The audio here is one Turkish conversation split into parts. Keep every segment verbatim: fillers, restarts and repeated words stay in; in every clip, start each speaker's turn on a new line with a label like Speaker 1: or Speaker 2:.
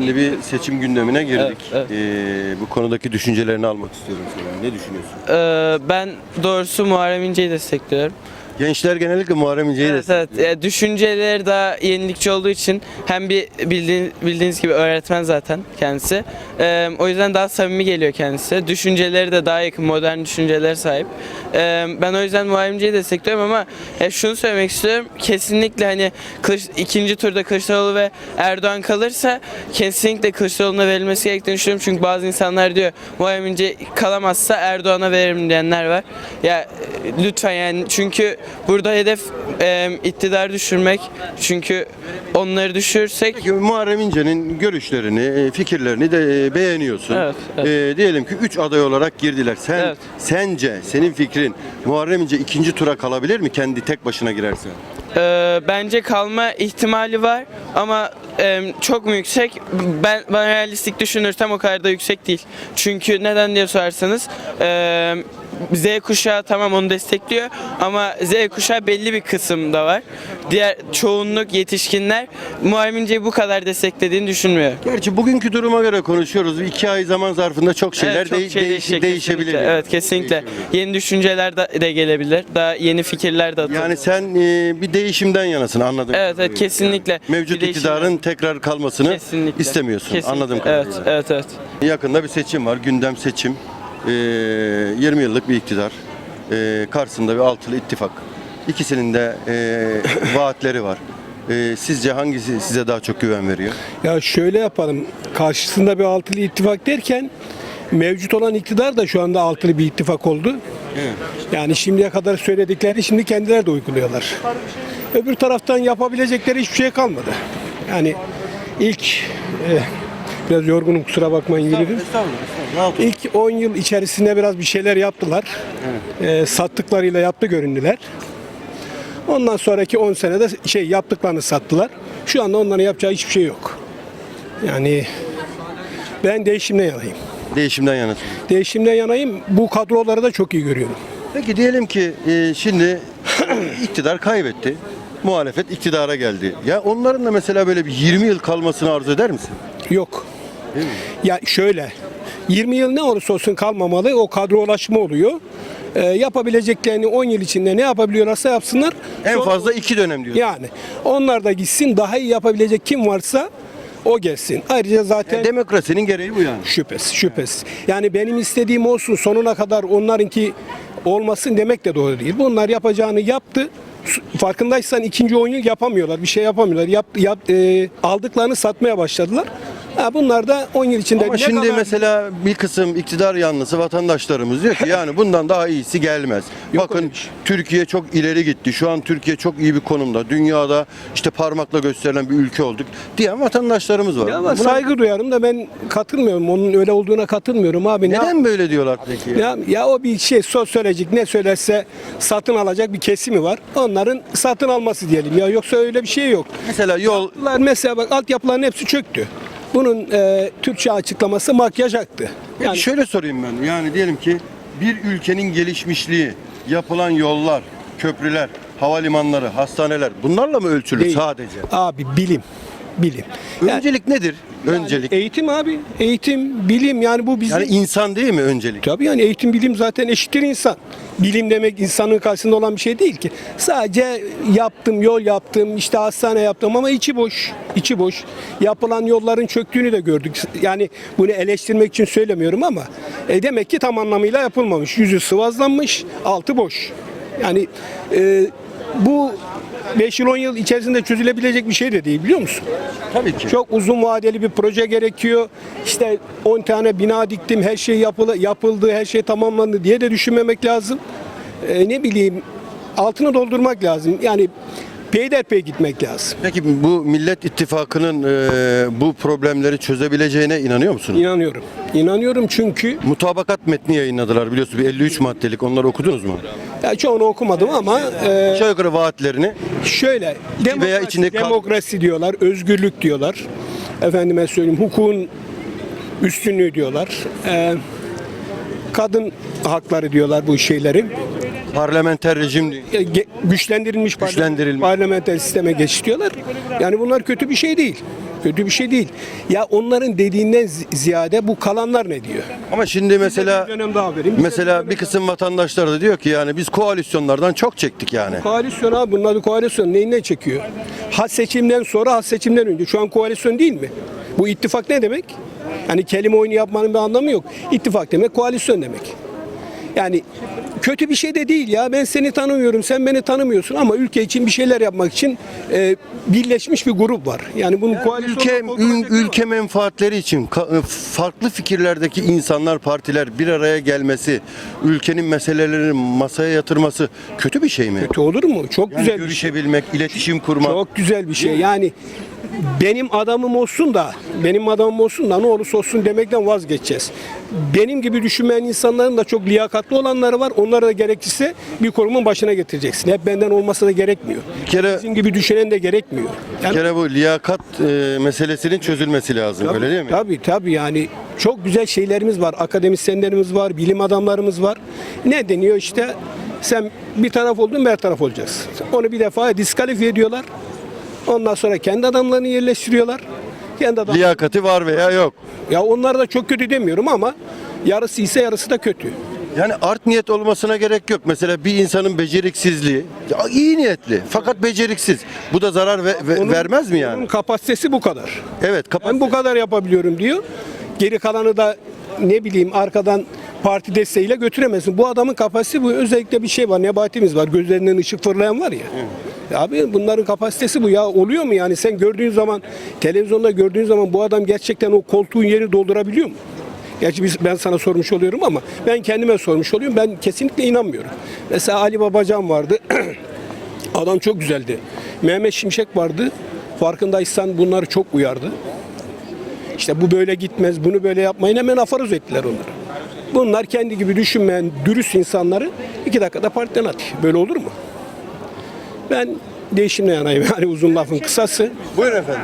Speaker 1: Şimdi bir seçim gündemine girdik.
Speaker 2: Evet, evet.
Speaker 1: Ee, bu konudaki düşüncelerini almak istiyorum senin. Ne düşünüyorsun?
Speaker 2: Ee, ben doğrusu Muharrem İnce'yi destekliyorum.
Speaker 1: Gençler genellikle Muharrem İnce'yi
Speaker 2: Evet, evet.
Speaker 1: destekliyor.
Speaker 2: E, düşünceleri daha yenilikçi olduğu için hem bir bildiğin, bildiğiniz gibi öğretmen zaten kendisi. E, o yüzden daha samimi geliyor kendisi. Düşünceleri de daha yakın, modern düşüncelere sahip. E, ben o yüzden Muharrem İnce'yi destekliyorum ama e, şunu söylemek istiyorum. Kesinlikle hani Kılıç, ikinci turda Kılıçdaroğlu ve Erdoğan kalırsa kesinlikle Kılıçdaroğlu'na verilmesi gerektiğini düşünüyorum. Çünkü bazı insanlar diyor Muharrem İnce kalamazsa Erdoğan'a veririm diyenler var. Ya e, lütfen yani çünkü burada hedef e, iktidar düşürmek. Çünkü onları düşürürsek
Speaker 1: Peki Muharrem İnce'nin görüşlerini, e, fikirlerini de e, beğeniyorsun.
Speaker 2: Evet, evet.
Speaker 1: E, diyelim ki üç aday olarak girdiler. Sen
Speaker 2: Evet.
Speaker 1: sence senin fikrin Muharrem İnce ikinci tura kalabilir mi kendi tek başına girerse?
Speaker 2: e, bence kalma ihtimali var ama e, çok mu yüksek? Ben, ben realistik düşünürsem o kadar da yüksek değil. Çünkü neden diye sorarsanız e, Z kuşağı tamam onu destekliyor ama Z kuşağı belli bir kısımda var. Diğer çoğunluk yetişkinler Muharrem İnce'yi bu kadar desteklediğini düşünmüyor.
Speaker 1: Gerçi bugünkü duruma göre konuşuyoruz. İki ay zaman zarfında çok şeyler
Speaker 2: Evet, çok
Speaker 1: de-
Speaker 2: şey
Speaker 1: değiş-
Speaker 2: değişecek
Speaker 1: değişebilir.
Speaker 2: kesinlikle.
Speaker 1: yani.
Speaker 2: Evet kesinlikle.
Speaker 1: Değişebilir.
Speaker 2: Yeni düşünceler de, de gelebilir. Daha yeni fikirler de atılır.
Speaker 1: Yani sen e, bir değişimden yanasın anladım.
Speaker 2: Evet, evet kesinlikle.
Speaker 1: Mevcut
Speaker 2: Bir değişim
Speaker 1: iktidarın
Speaker 2: var.
Speaker 1: tekrar kalmasını
Speaker 2: Kesinlikle.
Speaker 1: istemiyorsun.
Speaker 2: Kesinlikle.
Speaker 1: Anladım
Speaker 2: Evet,
Speaker 1: kadarıyla.
Speaker 2: evet, evet.
Speaker 1: Yakında bir seçim var. Gündem seçim. Ee, yirmi yıllık bir iktidar. Ee, karşısında bir altılı ittifak. İkisinin de e, vaatleri var. Ee, sizce hangisi size daha çok güven veriyor?
Speaker 3: Ya şöyle yapalım. Karşısında bir altılı ittifak derken mevcut olan iktidar da şu anda altılı bir ittifak oldu. Yani şimdiye kadar söyledikleri şimdi kendileri de uyguluyorlar. Öbür taraftan yapabilecekleri hiçbir şey kalmadı. Yani ilk e, biraz yorgunum kusura bakmayın yürüdüm. İlk on yıl içerisinde biraz bir şeyler yaptılar. E, sattıklarıyla yaptı göründüler. Ondan sonraki on senede şey yaptıklarını sattılar. Şu anda onların yapacağı hiçbir şey yok. Yani ben değişimden yanayım.
Speaker 1: Değişimden yanasın.
Speaker 3: Değişimden yanayım. Bu kadroları da çok iyi görüyorum.
Speaker 1: Peki diyelim ki e, şimdi iktidar kaybetti. Muhalefet iktidara geldi. Ya onların da mesela böyle bir yirmi yıl kalmasını arzu eder misin?
Speaker 3: Yok.
Speaker 1: Değil mi?
Speaker 3: Ya şöyle. yirmi yıl ne olursa olsun kalmamalı. O kadrolaşma oluyor. Ee, yapabileceklerini on yıl içinde ne yapabiliyorlarsa yapsınlar.
Speaker 1: En
Speaker 3: Sonra-
Speaker 1: fazla iki dönem diyor.
Speaker 3: Yani onlar da gitsin. Daha iyi yapabilecek kim varsa o gelsin. Ayrıca zaten
Speaker 1: Demokrasinin gereği bu yani.
Speaker 3: şüphesiz, şüphesiz. Yani benim istediğim olsun sonuna kadar onlarınki olmasın demek de doğru değil. Bunlar yapacağını yaptı. Farkındaysan ikinci on yıl yapamıyorlar. Bir şey yapamıyorlar. Yap, yap, e, aldıklarını satmaya başladılar. Ha, bunlar da on yıl içinde
Speaker 1: Ama
Speaker 3: ne
Speaker 1: şimdi
Speaker 3: kadar-
Speaker 1: mesela bir kısım iktidar yanlısı vatandaşlarımız diyor ki yani bundan daha iyisi gelmez.
Speaker 3: Yok
Speaker 1: Bakın
Speaker 3: öyle bir şey.
Speaker 1: Türkiye çok ileri gitti. Şu an Türkiye çok iyi bir konumda. Dünyada işte parmakla gösterilen bir ülke olduk diyen vatandaşlarımız var.
Speaker 3: Ya ama
Speaker 1: Buna
Speaker 3: saygı duyarım da ben katılmıyorum. Onun öyle olduğuna katılmıyorum abi. Ne-
Speaker 1: neden böyle diyorlar peki?
Speaker 3: Ya, ya o bir şey sosyolojik ne söylerse satın alacak bir kesimi var. Onların satın alması diyelim ya yoksa öyle bir şey yok.
Speaker 1: Mesela yol
Speaker 3: Bunlar mesela bak altyapıların hepsi çöktü. Bunun e, Türkçe açıklaması makyaj aktı.
Speaker 1: Peki
Speaker 3: Yani
Speaker 1: şöyle sorayım ben. Yani diyelim ki bir ülkenin gelişmişliği, yapılan yollar, köprüler, havalimanları, hastaneler bunlarla mı ölçülür
Speaker 3: Değil.
Speaker 1: sadece?
Speaker 3: abi bilim, bilim. Yani-
Speaker 1: Öncelik nedir?
Speaker 3: yani
Speaker 1: Öncelik.
Speaker 3: eğitim abi, eğitim, bilim yani bu bizim.
Speaker 1: Yani insan değil mi öncelik?
Speaker 3: Tabii yani eğitim bilim zaten eşittir insan. Bilim demek insanın karşısında olan bir şey değil ki. Sadece yaptım, yol yaptım, işte hastane yaptım ama içi boş. İçi boş. Yapılan yolların çöktüğünü de gördük. Yani bunu eleştirmek için söylemiyorum ama e, demek ki tam anlamıyla yapılmamış. Yüzü sıvazlanmış, altı boş. Yani e, bu beş yıl on yıl içerisinde çözülebilecek bir şey de değil biliyor musun?
Speaker 1: Tabii ki.
Speaker 3: Çok uzun vadeli bir proje gerekiyor. İşte on tane bina diktim, her şey yapıldı, yapıldı, her şey tamamlandı diye de düşünmemek lazım. Ee, ne bileyim, altını doldurmak lazım. Yani peyderpey gitmek lazım.
Speaker 1: Peki bu Millet İttifakı'nın e, bu problemleri çözebileceğine inanıyor musunuz?
Speaker 3: İnanıyorum. İnanıyorum çünkü
Speaker 1: Mutabakat metni yayınladılar biliyorsunuz. Bir elli üç maddelik. Onları okudunuz mu?
Speaker 3: ya çoğunu okumadım ama e,
Speaker 1: Aşağı yukarı vaatlerini.
Speaker 3: şöyle
Speaker 1: veya
Speaker 3: demokrasi,
Speaker 1: içinde kal-
Speaker 3: demokrasi diyorlar, özgürlük diyorlar. Efendime söyleyeyim, hukukun üstünlüğü diyorlar. E, kadın hakları diyorlar bu şeyleri.
Speaker 1: Parlamenter rejim diyor.
Speaker 3: E, ge- güçlendirilmiş,
Speaker 1: Güçlendirilmiş.
Speaker 3: parlamenter sisteme geçiş diyorlar. Yani bunlar kötü bir şey değil. Kötü bir şey değil. Ya onların dediğinden zi- ziyade bu kalanlar ne diyor?
Speaker 1: Ama şimdi mesela
Speaker 3: bir dönem daha vereyim. Bize bir
Speaker 1: mesela
Speaker 3: dönem
Speaker 1: bir kısım vatandaşlar da diyor ki yani biz koalisyonlardan çok çektik yani.
Speaker 3: Koalisyon abi, bunun adı koalisyon. Neyinden çekiyor? Ha seçimden sonra, ha seçimden önce. Şu an koalisyon değil mi? Bu ittifak ne demek? Hani kelime oyunu yapmanın bir anlamı yok. İttifak demek koalisyon demek. Yani kötü bir şey de değil ya. Ben seni tanımıyorum, sen beni tanımıyorsun ama ülke için bir şeyler yapmak için e, birleşmiş bir grup var. Yani bunun koalisyonla
Speaker 1: Ülke
Speaker 3: korkulacak
Speaker 1: ül-
Speaker 3: bir şey var.
Speaker 1: ülke menfaatleri için ka- farklı fikirlerdeki insanlar, partiler bir araya gelmesi, ülkenin meselelerini masaya yatırması kötü bir şey mi?
Speaker 3: Kötü olur mu? Çok
Speaker 1: Yani
Speaker 3: güzel bir şey.
Speaker 1: görüşebilmek, iletişim kurmak.
Speaker 3: Çok güzel bir şey. Yani benim adamım olsun da, benim adamım olsun da ne olursa olsun demekten vazgeçeceğiz. Benim gibi düşünmeyen insanların da çok liyakatli olanları var. Onları da gerekirse bir kurumun başına getireceksin. Hep benden olması da gerekmiyor.
Speaker 1: Bir kere
Speaker 3: Bizim gibi düşünen de gerekmiyor.
Speaker 1: bir
Speaker 3: Yani,
Speaker 1: kere bu liyakat e, meselesinin çözülmesi lazım. Öyle değil mi?
Speaker 3: Tabii tabii yani çok güzel şeylerimiz var. Akademisyenlerimiz var, bilim adamlarımız var. Ne deniyor işte? Sen bir taraf oldun, her taraf olacaksın. Onu bir defa diskalifiye ediyorlar. Ondan sonra kendi adamlarını yerleştiriyorlar. Kendi adam...
Speaker 1: Liyakati var veya yok.
Speaker 3: Ya onlar da çok kötü demiyorum ama yarısı ise yarısı da kötü.
Speaker 1: Yani art niyet olmasına gerek yok. Mesela bir insanın beceriksizliği, ya iyi niyetli fakat beceriksiz. Bu da zarar ve- ve-
Speaker 3: Onun-
Speaker 1: vermez mi
Speaker 3: Onun
Speaker 1: yani?
Speaker 3: kapasitesi bu kadar.
Speaker 1: Evet, kapat.
Speaker 3: Ben bu kadar yapabiliyorum diyor. Geri kalanı da ne bileyim arkadan parti desteğiyle götüremezsin. Bu adamın kapasitesi bu. Özellikle bir şey var. Nebatimiz var. Gözlerinden ışık fırlayan var ya. Ya abi bunların kapasitesi bu ya. Oluyor mu yani? Sen gördüğün zaman, televizyonda gördüğün zaman bu adam gerçekten o koltuğun yerini doldurabiliyor mu? Gerçi biz, ben sana sormuş oluyorum ama ben kendime sormuş oluyorum. Ben kesinlikle inanmıyorum. Mesela Ali Babacan vardı. Adam çok güzeldi. Mehmet Şimşek vardı. Farkındaysan bunları çok uyardı. İşte bu böyle gitmez, bunu böyle yapmayın, hemen afarız ettiler onları. Bunlar kendi gibi düşünmeyen dürüst insanları iki dakikada partiden atıyor. Böyle olur mu? Ben değişimle yanayım yani uzun lafın kısası.
Speaker 1: Buyurun efendim.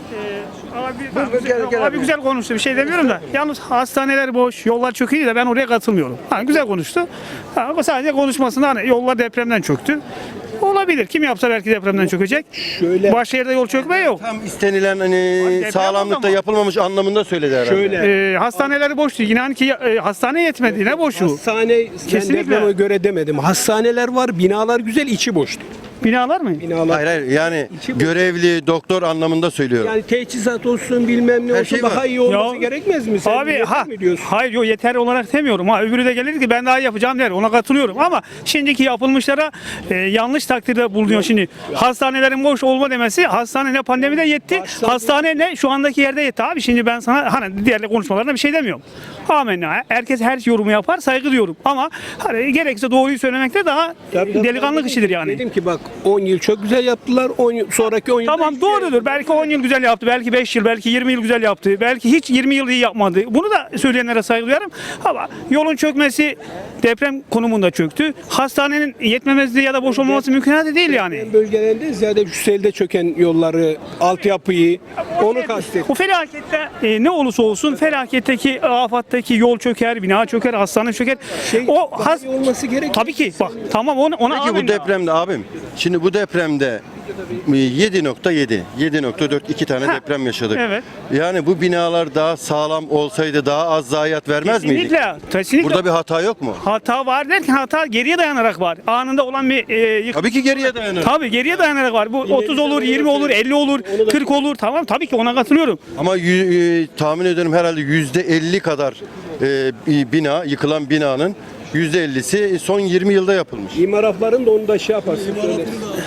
Speaker 4: Abi, güzel, abi güzel konuştu, bir şey demiyorum da. Yalnız hastaneler boş, yollar çok iyi de ben oraya katılmıyorum. Hani güzel konuştu. Ha, ama sadece konuşmasında hani yollar depremden çöktü. Olabilir. Kim yapsa belki depremden çökecek.
Speaker 3: Şöyle
Speaker 4: Başşehir'de yol çökme yok.
Speaker 1: Tam istenilen hani
Speaker 4: deprem
Speaker 1: sağlamlıkta
Speaker 4: oldu ama.
Speaker 1: yapılmamış anlamında söyledi herhalde.
Speaker 3: şöyle
Speaker 4: Ee, hastaneleri boştu. İnan ki e, hastane yetmedi. Yine boşu.
Speaker 3: hastane
Speaker 4: Kesinlikle.
Speaker 3: depreme göre demedim. Hastaneler var, binalar güzel, içi boştu.
Speaker 4: Binalar mı?
Speaker 3: Binalar.
Speaker 1: Hayır hayır yani
Speaker 3: İçi bu.
Speaker 1: görevli doktor anlamında söylüyorum.
Speaker 3: Yani teçhizat olsun bilmem ne
Speaker 1: Her
Speaker 3: olsun
Speaker 1: şey var.
Speaker 3: daha iyi olması
Speaker 4: Ya,
Speaker 3: gerekmez mi? Sen
Speaker 4: Abi
Speaker 3: yeter
Speaker 4: ha
Speaker 3: mi diyorsun?
Speaker 4: hayır yok yeter olarak demiyorum ha öbürü de gelir ki ben daha iyi yapacağım der ona katılıyorum ama şimdiki yapılmışlara e, yanlış takdirde bulunuyor şimdi hastanelerin boş olma demesi hastane ne pandemide yetti
Speaker 3: Hastane-
Speaker 4: hastane ne şu andaki yerde yetti abi şimdi ben sana hani diğer konuşmalarına bir şey demiyorum. Amenna herkes her yorumu yapar saygı diyorum ama hani gerekirse doğruyu söylemekte daha
Speaker 3: Tabii, tabii,
Speaker 4: delikanlık
Speaker 3: tabii.
Speaker 4: işidir yani.
Speaker 3: Dedim ki bak on yıl çok güzel yaptılar. on yıl, sonraki on yıl
Speaker 4: Tamam doğrudur. Belki on yıl güzel yaptı. Belki beş yıl, belki yirmi yıl güzel yaptı. Belki hiç yirmi yıl iyi yapmadı. Bunu da söyleyenlere saygı duyarım. Ama yolun çökmesi deprem konumunda çöktü. Hastanenin yetmemezliği ya da boş olmaması mümkün değil yani.
Speaker 3: bölgelerinde ziyade şu selde çöken yolları, altyapıyı onu kastet.
Speaker 4: Bu felakette e, ne olursa olsun felaketteki, afattaki yol çöker, bina çöker, hastane çöker.
Speaker 3: Şey,
Speaker 4: o
Speaker 3: daha
Speaker 4: has
Speaker 3: iyi olması gerekiyor.
Speaker 4: Tabii ki. Bak tamam ona ona
Speaker 1: Peki bu
Speaker 4: amenna.
Speaker 1: depremde abim, şimdi bu depremde yedi nokta yedi, yedi nokta dört iki tane
Speaker 4: Ha,
Speaker 1: deprem yaşadık.
Speaker 4: evet.
Speaker 1: Yani bu binalar daha sağlam olsaydı daha az zayiat vermez miydik?
Speaker 4: Kesinlikle. Kesinlikle.
Speaker 1: Burada bir hata yok mu?
Speaker 4: hata var derken hata geriye dayanarak var. Anında olan bir e, yıkım.
Speaker 1: Tabii ki geriye dayanır.
Speaker 4: Tabii geriye dayanarak var. Bu otuz olur, yirmi olur, elli olur, kırk olur. Tamam tabii ki ona katılıyorum.
Speaker 1: Ama yü- e, tahmin ediyorum herhalde yüzde elli kadar e, bir bina, yıkılan binanın yüzde ellisi son yirmi yılda yapılmış.
Speaker 3: İmar afların da onu da şey yaparsın. Söyle.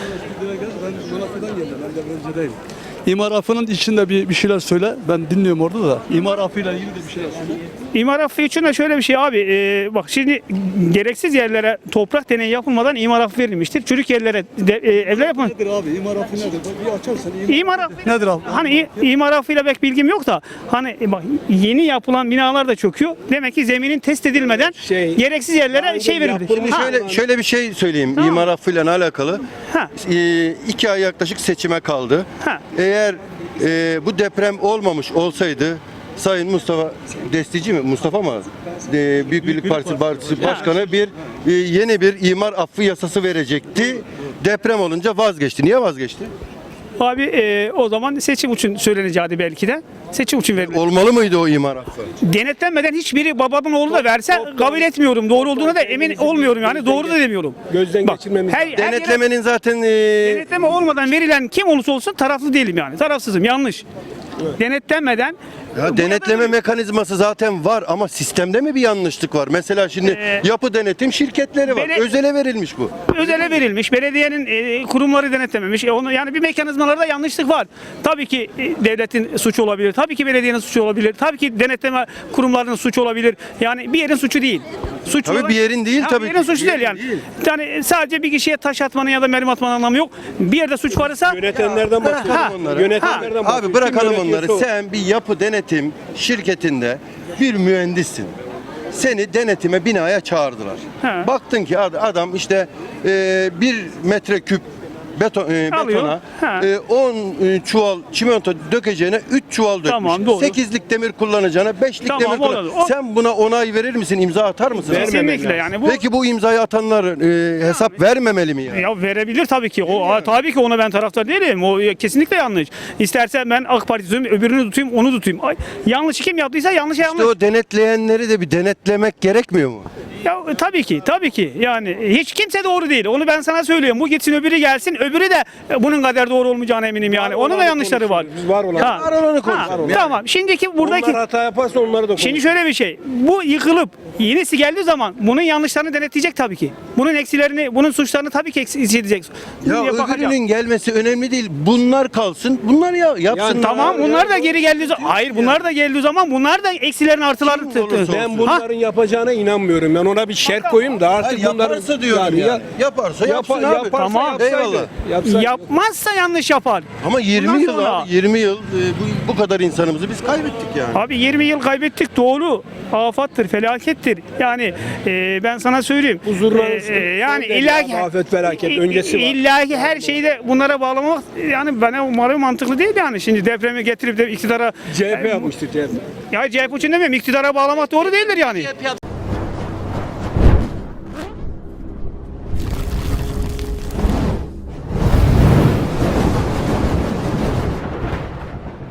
Speaker 5: İmar affının içinde bir, bir şeyler söyle. Ben dinliyorum orada da. İmar affıyla ilgili de bir şeyler söyle.
Speaker 4: İmar affı için de şöyle bir şey abi. e, bak şimdi gereksiz yerlere toprak deneyi yapılmadan imar affı verilmiştir. Çürük yerlere de, e, evler yapın.
Speaker 5: Nedir abi? İmar affı nedir? Bir açarsan.
Speaker 4: İmar affı
Speaker 5: Nedir abi?
Speaker 4: Hani i- imar affıyla pek bilgim yok da hani e, bak yeni yapılan binalar da çöküyor. Demek ki zeminin test edilmeden
Speaker 3: Şey-
Speaker 4: gereksiz yerlere şey verildi.
Speaker 3: yapılmış
Speaker 4: Ha,
Speaker 1: Şöyle şöyle bir şey söyleyeyim
Speaker 4: Tamam.
Speaker 1: imar affıyla alakalı.
Speaker 4: Ha.
Speaker 1: E, iki ay yaklaşık seçime kaldı.
Speaker 4: Ha.
Speaker 1: Eğer e, bu deprem olmamış olsaydı Sayın Mustafa Destici mi? Mustafa mı? E, Büyük Birlik Partisi, Partisi Başkanı bir e, yeni bir imar affı yasası verecekti. Deprem olunca vazgeçti. Niye vazgeçti?
Speaker 4: Abi e, o zaman seçim için söyleneceği belki de. Seçim için verilir.
Speaker 1: Olmalı mıydı o imar affı?
Speaker 4: Denetlenmeden hiçbiri babamın oğlu da verse kabul etmiyorum. Doğru olduğuna da emin olmuyorum yani. Doğru da demiyorum.
Speaker 3: Gözden
Speaker 4: Bak,
Speaker 3: geçirmemiz
Speaker 4: her, her yere
Speaker 1: Denetlemenin zaten e,
Speaker 4: denetleme olmadan verilen kim olursa olsun taraflı değilim yani. Tarafsızım. Yanlış. Denetlenmeden
Speaker 1: ya denetleme mekanizması zaten var ama sistemde mi bir yanlışlık var? Mesela şimdi
Speaker 4: Ee,
Speaker 1: yapı denetim şirketleri var.
Speaker 4: bele-
Speaker 1: Özele verilmiş bu.
Speaker 4: özele verilmiş. Belediyenin e, kurumları denetlememiş. E, onu, yani bir mekanizmalarda yanlışlık var. Tabii ki e, devletin suçu olabilir. Tabii ki belediyenin suçu olabilir. Tabii ki denetleme kurumlarının suçu olabilir. Yani bir yerin suçu değil. Suç
Speaker 1: Tabii bir yerin değil
Speaker 4: Ha,
Speaker 1: tabii
Speaker 4: Bir yerin
Speaker 1: ki.
Speaker 4: suçu
Speaker 1: Bir
Speaker 4: değil
Speaker 1: yerin
Speaker 4: yani.
Speaker 1: değil.
Speaker 4: Yani sadece bir kişiye taş atmanın ya da mermi atmanın anlamı yok. Bir yerde suç varsa
Speaker 3: Yönetenlerden
Speaker 4: Ha,
Speaker 3: bahsediyorum onları. Yönetenlerden bahsediyorum.
Speaker 1: Abi bırakalım
Speaker 3: Kim
Speaker 1: onları.
Speaker 3: yönetiyorsa o.
Speaker 1: Sen bir yapı denetim şirketinde bir mühendissin. Seni denetime binaya çağırdılar.
Speaker 4: He.
Speaker 1: Baktın ki ad- adam işte e, bir metreküp beton, e,
Speaker 4: Alıyor.
Speaker 1: betona
Speaker 4: He.
Speaker 1: e, on e, çuval çimento dökeceğine üç çuval dökmüş.
Speaker 4: Tamam, doğru.
Speaker 1: sekizlik demir kullanacağına beşlik
Speaker 4: Tamam,
Speaker 1: demir kullan.
Speaker 4: olur. O-
Speaker 1: Sen buna onay verir misin? İmza atar mısın?
Speaker 3: Vermemek
Speaker 4: kesinlikle
Speaker 3: lazım.
Speaker 4: yani bu
Speaker 1: Peki bu imzayı atanlar e, hesap vermemeli mi ya?
Speaker 4: Ya verebilir tabii ki. O a, tabii ki ona ben taraftar değilim. O ya, kesinlikle yanlış. İstersen ben AK Parti tutayım, öbürünü tutayım, onu tutayım. Ay, yanlış kim yaptıysa yanlış yanlış.
Speaker 1: İşte o denetleyenleri de bir denetlemek gerekmiyor mu?
Speaker 4: Ya e, tabii ki, tabii ki. Yani hiç kimse doğru değil. Onu ben sana söylüyorum. Bu gitsin öbürü gelsin. Öbürü de e, bunun kadar doğru olmayacağına eminim yani.
Speaker 3: Var
Speaker 4: Onun da
Speaker 3: olanı
Speaker 4: yanlışları var.
Speaker 3: konuşuyoruz. Biz var olanı-
Speaker 4: Ha.
Speaker 1: Var olanı
Speaker 4: Ha,
Speaker 1: konuşuyoruz.
Speaker 4: Tamam. Şimdiki buradaki
Speaker 3: Onlar hata yaparsa onları da
Speaker 4: Şimdi şöyle bir şey. Bu yıkılıp yenisi geldiği zaman bunun yanlışlarını denetleyecek tabii ki. Bunun eksilerini, bunun suçlarını tabii ki eksiltecek.
Speaker 1: Ya öbürünün gelmesi önemli değil. Bunlar kalsın. Bunlar ya yapsınlar.
Speaker 4: Tamam bunlar da geri geldiği zaman hayır bunlar da geldiği zaman bunlar da eksilerini artılarını
Speaker 1: Kim olursa
Speaker 4: tı- tı-
Speaker 1: olsun.
Speaker 3: Ben bunların yapacağına inanmıyorum. Ben ona bir şart koyayım da artık
Speaker 1: Hayır,
Speaker 3: bunların
Speaker 1: yaparsa diyorum ya. Yaparsa yapsın
Speaker 3: yapa-
Speaker 1: abi.
Speaker 3: yaparsa
Speaker 4: Tamam.
Speaker 3: yapsaydı.
Speaker 1: Eyvallah.
Speaker 3: Yapsaydı.
Speaker 4: yapmazsa yanlış yapar.
Speaker 1: Ama yirmi
Speaker 4: Bundan
Speaker 1: yıl
Speaker 4: sonra-
Speaker 1: abi, yirmi yıl e, bu, bu kadar insanımızı biz kaybettik yani.
Speaker 4: Abi yirmi yıl kaybettik doğru. Afattır, felakettir. Yani e, ben sana söyleyeyim.
Speaker 3: Huzurlar
Speaker 4: E,
Speaker 3: olsun.
Speaker 4: e, yani
Speaker 3: Son derece
Speaker 4: illaki
Speaker 3: afet, felaket, öncesi var.
Speaker 4: illaki her şeyi de bunlara bağlamak yani bana umarım mantıklı değil yani. Şimdi depremi getirip de iktidara
Speaker 3: C H P yapmıştır C H P.
Speaker 4: ya C H P için demiyorum iktidara bağlamak doğru değildir yani.